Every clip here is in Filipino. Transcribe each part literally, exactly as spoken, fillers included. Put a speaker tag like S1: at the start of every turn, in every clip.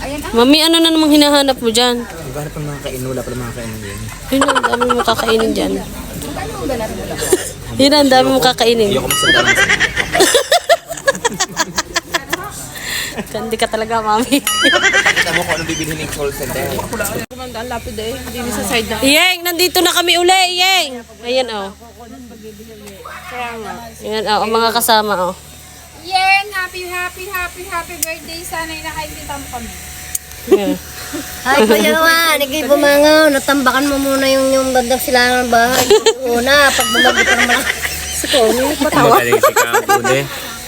S1: Mami, ano na namang hinahanap mo dyan?
S2: Maghanap ng mga kainin, wala pa ng mga kainin yan.
S1: Yun, ang dami mo kakainin dyan. Yun, ang dami mo kakainin.
S2: Ayoko magsalita ng
S1: Kandi ka talaga, Mami.
S2: Kita mo kung ano bibilihin ng call center.
S3: Ang lapid eh. Hindi sa side na.
S1: Iyeng, nandito na kami uli, Iyeng. Ayan, oh. Ayan, oh, ang mga kasama, oh.
S4: Yen, happy, happy, happy, happy birthday. Sana'y nakikita mo kami.
S1: Yeah.
S5: Ay, Kuya Juan, ikay bumangaw. Natambakan mo muna yung, yung bandang silangan ng bahay. Una, pag bumagi ka naman. Siko, may patawa.
S2: Magaling si Kabude.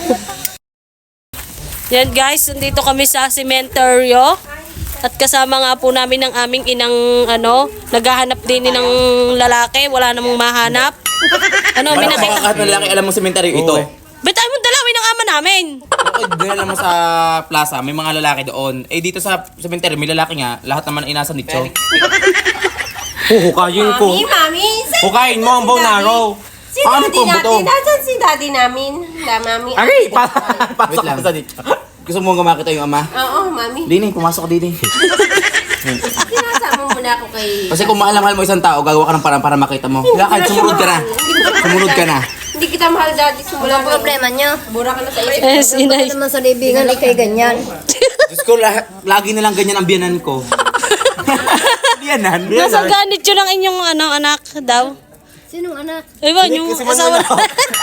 S1: Yan guys, nandito kami sa cementerio. At kasama nga po namin ang aming inang ano, naghahanap din ng lalaki, wala namang mahanap. Ano, may
S2: Parang
S1: nakita.
S2: kahit na lalaki alam mo cemetery ito.
S1: Ba't tayo mong dalawin ang ama namin?
S2: Okay, doon alam mo sa plaza, may mga lalaki doon. Eh dito sa cemetery, may lalaki nga, lahat naman ay nasa nicho. Huhukayin ko.
S3: Mami, mami.
S2: Hukayin mo ang bonaro.
S3: Si daddy natin. Nasaan si daddy namin? Da, mami.
S2: Aray! Pasok ka sa nicho. Gusto mo nga makita yung ama?
S3: Oo, mami.
S2: Dini, pumasok ka dini.
S3: Sinasama mo na ako kay...
S2: Kasi kung mahal-mahal mo isang tao, gagawa ka ng parang para makita mo. Lakad, sumunod ka na. Sumunod ka na.
S3: Hindi kita mahal, daddy. Simula
S5: Ang problema niyo.
S3: Bura ka na sa isip.
S1: Eh, sinay.
S5: Ano naman sa libingan, ikay ganyan.
S2: Diyos ko, la- lagi na lang ganyan ang biyanan ko. Biyanan?
S1: Nasa ganit yun ang inyong ano, anak daw.
S5: Sinong anak?
S1: Ewan, yung
S2: Si
S1: asawa
S2: Manuel ako.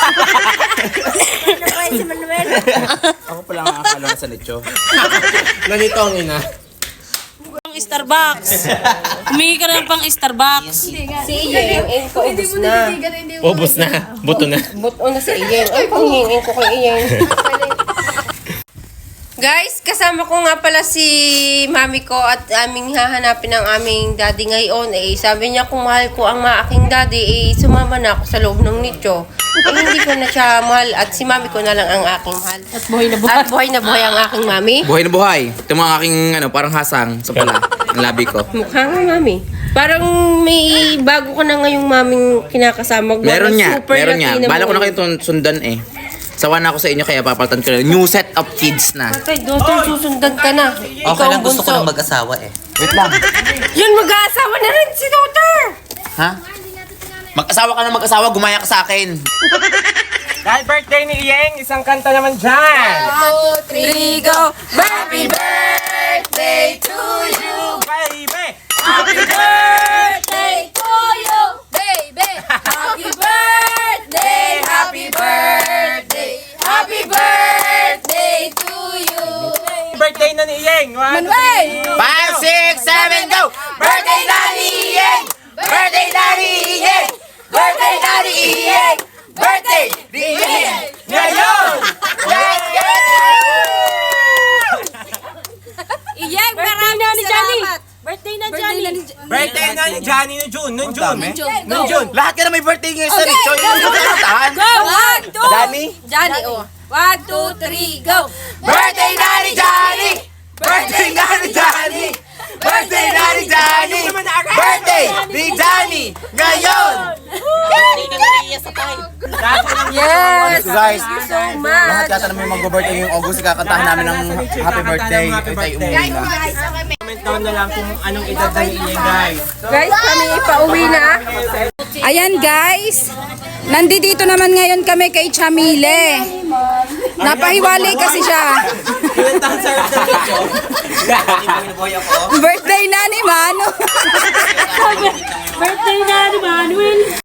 S5: Ano ba si Manuel?
S2: Ako pala ang akala sa nicho. Ganito ang ina.
S1: Pang Starbucks. Humingi ka na pang Starbucks.
S3: Si Iyeng, yung ko, ubus na.
S2: Ubus na. Buto na.
S3: Buto na si Iyeng. Ay, panghingin ko kay Iyeng. Guys, kasama ko nga pala si mami ko at aming hahanapin ang aming daddy ngayon. Eh, sabi niya kung mahal ko ang mga aking daddy, eh, sumama na ako sa loob ng nicho. Eh, hindi ko na siya mahal at si mami ko na lang ang aking mahal.
S1: At buhay na buhay.
S3: At buhay na buhay ang aking mami.
S2: Buhay na buhay. Ito mga aking ano, parang hasang sa pala. Ang labi ko.
S3: Mukha nga, mami. Parang may bago ka na ngayong maming kinakasama.
S2: Meron niya.
S3: Super
S2: Meron niya.
S3: Latina
S2: Bala ko
S3: mo.
S2: na kayo tun- sundan eh. Sawa na ako sa inyo kaya papalitan ko na. New set of kids na.
S3: Patay, daughter, susundan ka na.
S6: Okay lang, gusto ko ng mag-asawa eh.
S2: Wait lang.
S3: Yun, mag-aasawa na rin si daughter.
S2: Ha? Mag-asawa ka na mag-asawa, gumaya ka sa akin.
S7: Dahil birthday ni Iyeng, isang kanta naman dyan!
S3: One, two, three, go! Happy birthday to you!
S7: Baby!
S3: Happy birthday to you, baby! Happy birthday! Happy birthday! Happy birthday to you!
S7: Birthday na ni Iyeng! One,
S2: five, six, seven, go!
S3: Birthday na ni Iyeng! Birthday na ni Iyeng! Birthday na ni Iyeng! Birthday ni Iyeng! Ngayon! Let's go! Iyeng, maraming salamat! Birthday na Johnny!
S7: birthday na ni Johnny no June! Noong June! Noong June!
S2: Lahat ka na may birthday ngayon sa Richo. Yung gusto ko kantahan.
S3: One, two!
S2: Danny?
S3: Johnny, oh. One, two, three, go! Birthday na ni Johnny!
S2: Birthday na ni Johnny! Birthday na ni Johnny! Birthday ni Johnny! Ngayon!
S3: Yes!
S2: Guys,
S3: So
S2: lahat
S3: much!
S2: yata na may mag-birthday ngayong August. Kakantahan namin ng happy birthday. Ay tayo umuwi na.
S7: Comment down na lang kung anong edad na ni Iyeng, guys.
S3: Guys, kami ipauwi na.
S4: Ayan guys, nandito naman ngayon kami kay Chamile. Napahiwalay kasi siya. Birthday na ni Mano.
S1: Birthday na ni Manuel.